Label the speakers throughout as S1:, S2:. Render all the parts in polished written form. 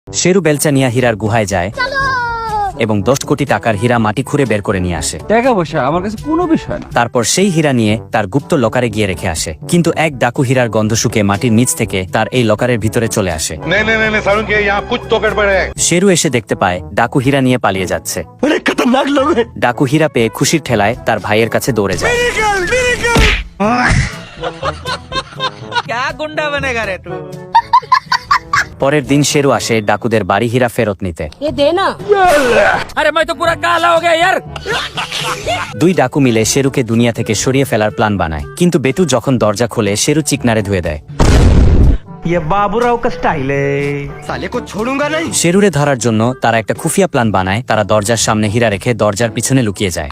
S1: শেরু বেলচা নিয়ে হীরার গুহায় যায় এবং 10 কোটি টাকার হীরা মাটি খুঁড়ে বের করে নিয়ে আসে।
S2: টাকা পয়সা আমার কাছে কোনো বিষয় না।
S1: তারপর সেই হীরা নিয়ে তার গুপ্ত লকারে গিয়ে রেখে আসে, কিন্তু এক ডাকু হীরার গন্ধ শুকে মাটির নিচ থেকে তার এই লকারের ভিতরে চলে আসে। শেরু এসে দেখতে পায় ডাকু হীরা নিয়ে পালিয়ে যাচ্ছে। ডাকু হীরা পেয়ে খুশির ঠেলায় তার ভাইয়ের কাছে দৌড়ে যায়। পরের দিন শেরু আসে ডাকুদের বাড়ি হীরা ফেরত নিতে। দুই ডাকু মিলে শেরুকে দুনিয়া থেকে সরিয়ে ফেলার প্ল্যান বানায়, কিন্তু বেটু যখন দরজা খোলে শেরু চিকনারে ধুয়ে দেয়। শেরুরে ধরার জন্য তারা একটা খুফিয়া প্ল্যান বানায়। তারা দরজার সামনে হীরা রেখে দরজার পিছনে লুকিয়ে যায়।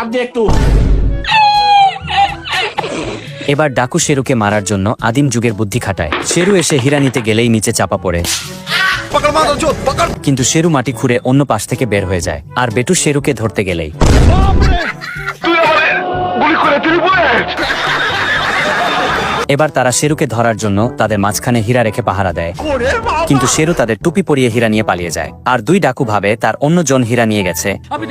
S1: এবার ডাকু শেরুকে মারার জন্য আদিম যুগের বুদ্ধি খাটায়। শেরু এসে হীরা নিতে গেলেই নিচে চাপা পড়ে, কিন্তু শেরু মাটি খুঁড়ে অন্য পাশ থেকে বের হয়ে যায়। আর বেটু শেরুকে ধরতে গেলেই এবার তারা শেরুকে ধরার জন্য তাদের মাঝখানে হীরা রেখে পাহারা দেয়, কিন্তু শেরু তাদের টুপি পরিয়ে হীরা নিয়ে পালিয়ে যায়। আর দুই ডাকু ভাবে তার অন্য জন হীরা নিয়ে গেছে,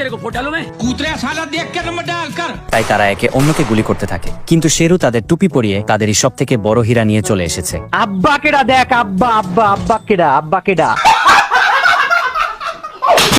S1: তাই তারা একে অন্যকে গুলি করতে থাকে। কিন্তু শেরু তাদের টুপি পরিয়ে তাদেরই সব থেকে বড় হীরা নিয়ে চলে এসেছে।
S2: আব্বা কেডা দেখ, আব্বা আব্বা আব্বা কেডা, আব্বা কেডা।